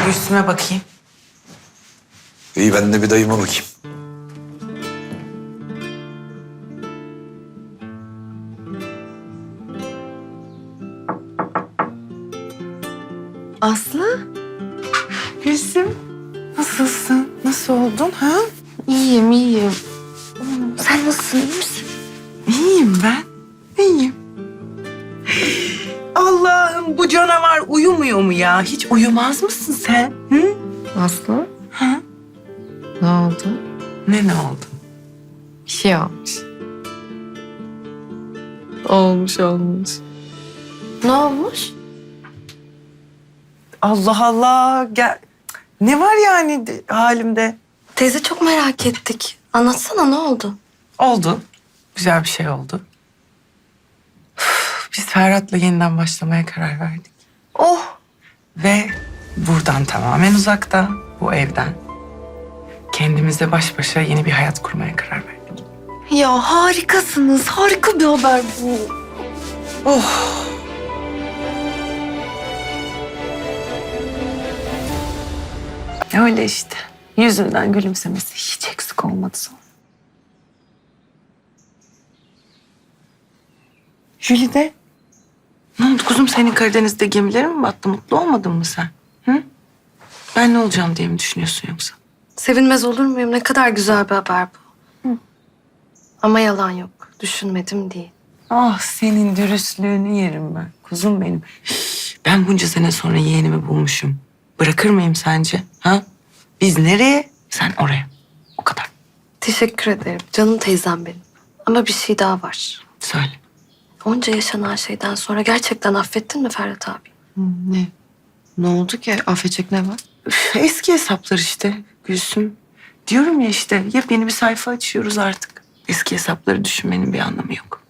bir üstüme bakayım. İyi, ben de bir dayıma bakayım. Aslı. Gülsüm. Nasılsın? Nasıl oldun ha? İyiyim, iyiyim. Sen nasılsın, iyi misin? İyiyim ben. İyiyim. Allah'ım, bu canavar uyumuyor mu ya? Hiç uyumaz mısın sen? Hı? Aslı, Ha? ne oldu? Ne oldu? Bir şey olmuş. Olmuş. Ne olmuş? Allah Allah. Gel. Ne var yani halimde? Teyze çok merak ettik. Anlatsana, ne oldu? Oldu. Güzel bir şey oldu. Biz Ferhat'la yeniden başlamaya karar verdik. Oh, Ve buradan tamamen uzakta, bu evden, kendimizle baş başa yeni bir hayat kurmaya karar verdik. ya harikasınız. Harika bir haber bu. Oh! Öyle işte. Yüzünden gülümsemesi hiç eksik olmadı sonra. Jülide. Ne oldu kuzum, senin Karadeniz'de gemilerin mi battı? Mutlu olmadın mı sen? Hı? Ben ne olacağım diye mi düşünüyorsun yoksa? Sevinmez olur muyum? Ne kadar güzel bir haber bu. Ama yalan yok. Düşünmedim değil. Ah, senin dürüstlüğünü yerim ben. Kuzum benim. Ben bunca sene sonra yeğenimi bulmuşum. Bırakır mıyım sence? Ha? Biz nereye? Sen oraya. O kadar. Teşekkür ederim. Canım teyzem benim. Ama bir şey daha var. Söyle. Onca yaşanan şeyden sonra gerçekten affettin mi Ferhat abi? Ne? Ne oldu ki? Affedecek ne var? Üf, eski hesaplar işte Gülsüm. Diyorum ya işte, yepyeni bir sayfa açıyoruz artık. Eski hesapları düşünmenin bir anlamı yok.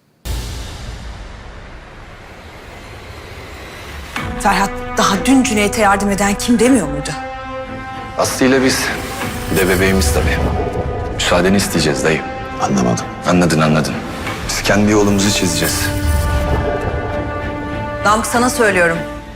Ferhat daha dün Cüneyt'e yardım eden kim demiyor muydu? Aslı ile biz. Bir de bebeğimiz tabii. Müsaadeni isteyeceğiz dayı. Anlamadım. Anladın. Biz kendi yolumuzu çizeceğiz. Namık sana söylüyorum.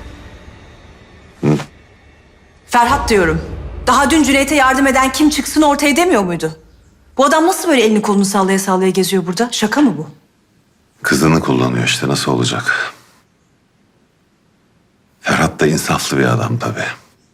Ferhat diyorum. Daha dün Cüneyt'e yardım eden kim çıksın ortaya demiyor muydu? Bu adam nasıl böyle elini kolunu sallaya sallaya geziyor burada? Şaka mı bu? Kızını kullanıyor işte, nasıl olacak? Ferhat da insaflı bir adam tabii.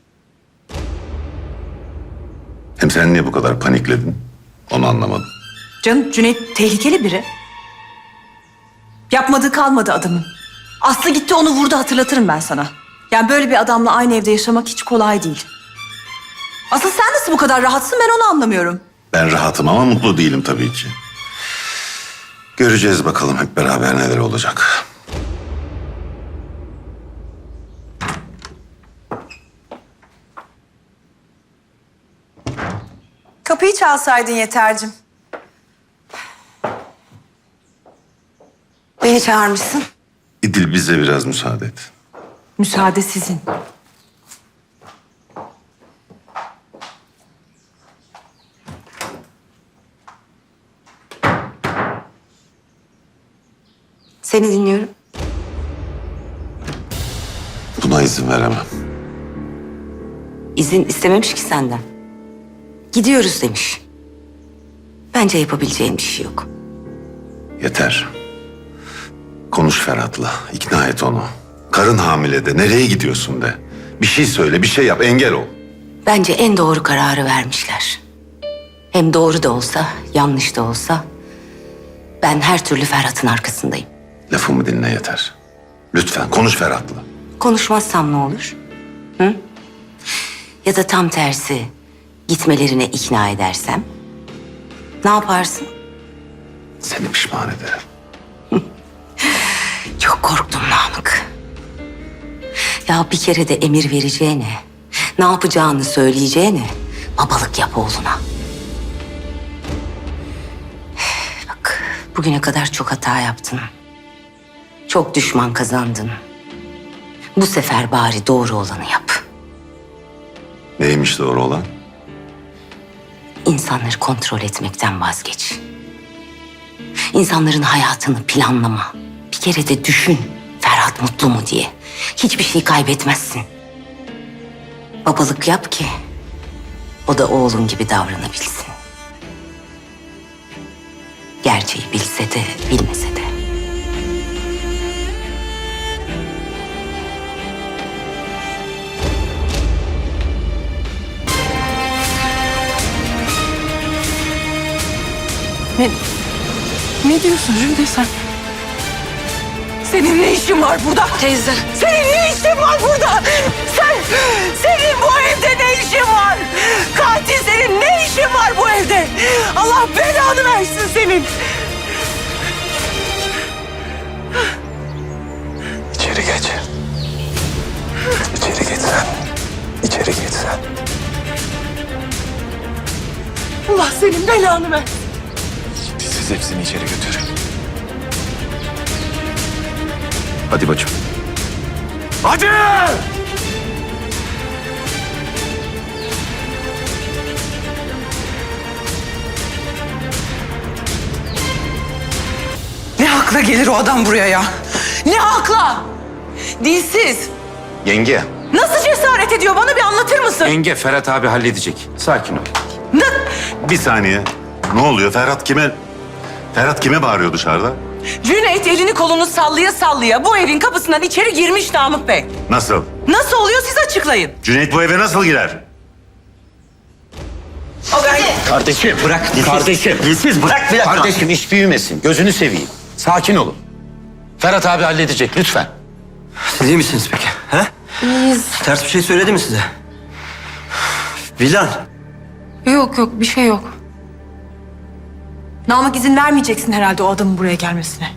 Hem sen niye bu kadar panikledin? Onu anlamadım. Canım Cüneyt tehlikeli biri. Yapmadığı kalmadı adamın. Aslı gitti onu vurdu, hatırlatırım ben sana. Yani böyle bir adamla aynı evde yaşamak hiç kolay değil. Asıl sen nasıl bu kadar rahatsın, ben onu anlamıyorum. Ben rahatım ama mutlu değilim tabii ki. Göreceğiz bakalım hep beraber neler olacak. Kapıyı çalsaydın Yeter'cim. Beni çağırmışsın. İdil, bize biraz müsaade et. Müsaade sizin. Seni dinliyorum. Buna izin veremem. İzin istememiş ki senden. Gidiyoruz demiş. Bence yapabileceğin bir şey yok. Yeter. Konuş Ferhat'la, ikna et onu. Karın hamile de, nereye gidiyorsun de. Bir şey söyle, bir şey yap, engel ol. Bence en doğru kararı vermişler. Hem doğru da olsa, yanlış da olsa... ben her türlü Ferhat'ın arkasındayım. Lafımı dinle Yeter. Lütfen konuş Ferhat'la. Konuşmazsam ne olur? Hı? Ya da tam tersi, gitmelerine ikna edersem? Ne yaparsın? Seni pişman ederim. Çok korktum Namık. Ya bir kere de emir vereceğine, ne yapacağını söyleyeceğine babalık yap oğluna. Bak, bugüne kadar çok hata yaptın. Çok düşman kazandın. Bu sefer bari doğru olanı yap. Neymiş doğru olan? İnsanları kontrol etmekten vazgeç. İnsanların hayatını planlama. Bir kere de düşün, Ferhat mutlu mu diye. Hiçbir şey kaybetmezsin. Babalık yap ki o da oğlun gibi davranabilsin. Gerçeği bilse de bilmese de. Ne diyorsun Jülde sen? Senin ne işin var burada? Teyze. Senin ne işin var burada? Senin bu evde ne işin var? Katil senin ne işin var bu evde? Allah belanı versin senin. İçeri geç. İçeri geç sen. İçeri geç sen. Allah senin belanı versin. Siz hepsini içeri götürün. Hadi bacım. Hadi! Ne hakla gelir o adam buraya ya? Ne hakla? Dilsiz. Yenge. Nasıl cesaret ediyor? Bana bir anlatır mısın? Yenge, Ferhat abi halledecek. Sakin ol. Bir saniye. Ne oluyor? Ferhat kime bağırıyor dışarıda? Cüneyt elini kolunu sallaya sallaya bu evin kapısından içeri girmiş Namık Bey. Nasıl? Nasıl oluyor siz açıklayın. Cüneyt bu eve nasıl girer? O ben... Kardeşim bırak. Kardeşim. Dilsiz bırak bir dakika. Kardeşim iş büyümesin. Gözünü seveyim. Sakin olun. Ferhat abi halledecek lütfen. Siz iyi misiniz peki? He? İyiyiz. Ters bir şey söyledi mi size? Vildan. Yok bir şey yok. Namık izin vermeyeceksin herhalde o adamın buraya gelmesine.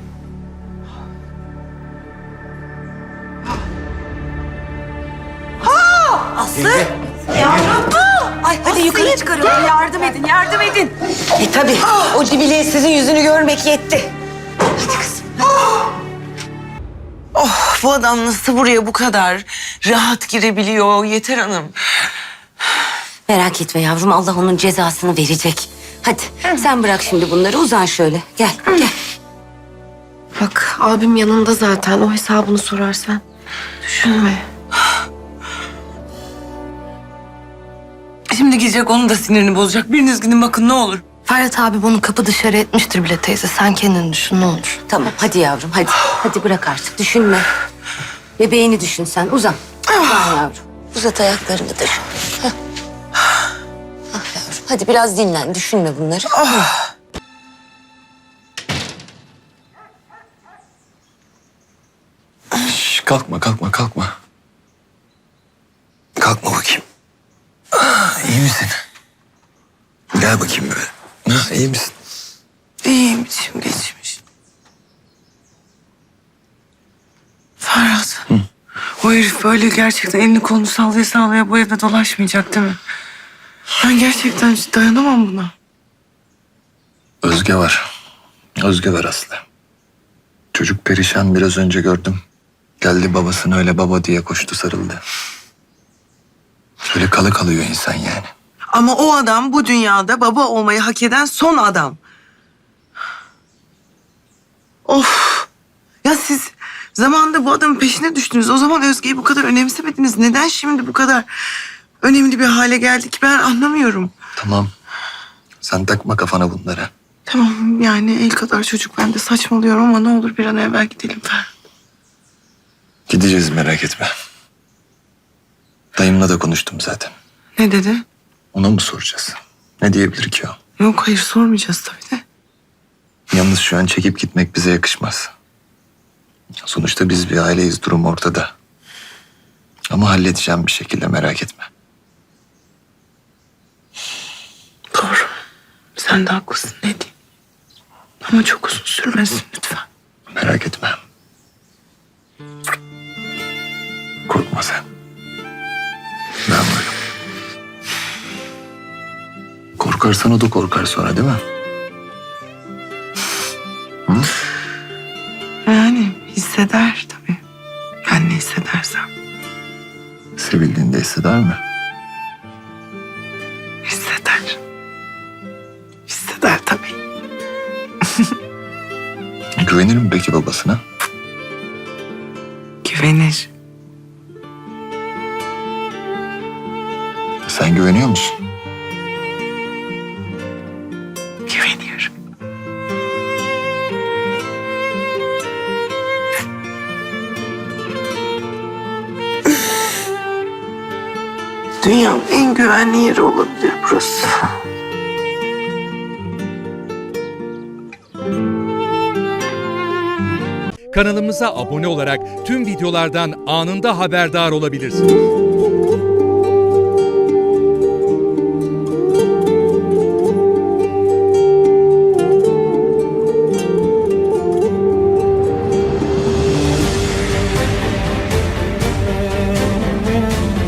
Aslı! Yavrum! Ay hadi yukarı çıkarın. Yardım edin, yardım edin. Tabii o cibileye sizin yüzünü görmek yetti. Hadi kızım. Oh, bu adam nasıl buraya bu kadar rahat girebiliyor Yeter Hanım? Merak etme yavrum, Allah onun cezasını verecek. Hadi sen bırak şimdi bunları, uzan şöyle. Gel, gel. Bak abim yanında zaten. O hesabını sorarsan. Düşünme. Şimdi gidecek onun da sinirini bozacak. Biriniz gidin bakın ne olur. Ferhat abi bunu kapı dışarı etmiştir bile teyze. Sen kendini düşün ne olur. Tamam, hadi yavrum, hadi. Hadi bırak artık, düşünme. Bebeğini düşün sen, uzan. Uzan yavrum. Uzat ayaklarını da şöyle. Heh. Ah yavrum, hadi biraz dinlen, düşünme bunları. Şş, kalkma. Kalkma bakayım. İyi misin? Gel bakayım böyle. İyi misin? İyiyim, içim geçmiş. Ferhat. O herif böyle gerçekten elini kolunu sallaya sallaya bu evde dolaşmayacak değil mi? Ben gerçekten hiç dayanamam buna. Özge var. Özge var Aslı. Çocuk perişan, biraz önce gördüm. Geldi babasına öyle baba diye koştu, sarıldı. Şöyle kalı kalıyor insan yani. Ama o adam bu dünyada baba olmayı hak eden son adam. Of! Ya siz zamanında bu adamın peşine düştünüz. O zaman Özge'yi bu kadar önemsemediniz. Neden şimdi bu kadar önemli bir hale geldik ben anlamıyorum. Tamam. Sen takma kafana bunları. Tamam yani el kadar çocuk ben de saçmalıyorum ama ne olur bir an evvel gidelim Ferhat. Gideceğiz, merak etme. Dayımla da konuştum zaten. Ne dedi? Ona mı soracağız? Ne diyebilir ki o? Yok hayır sormayacağız tabii de. Yalnız şu an çekip gitmek bize yakışmaz. Sonuçta biz bir aileyiz, durum ortada. Ama halledeceğim bir şekilde, merak etme. Doğru. Sen de haklısın ne diyeyim. Ama çok uzun sürmesin lütfen. Merak etme. Korkma sen. Ben varım. Korkarsan o da korkar sonra, değil mi? Yani hisseder tabii. Ben ne hissedersem. Sevildiğinde hisseder mi? Hisseder. Hisseder tabii. Güvenir mi peki babasına? Güvenir. Sen güveniyor musun? Güveniyorum. Dünyanın en güvenli yeri olabilir burası. Kanalımıza abone olarak tüm videolardan anında haberdar olabilirsiniz.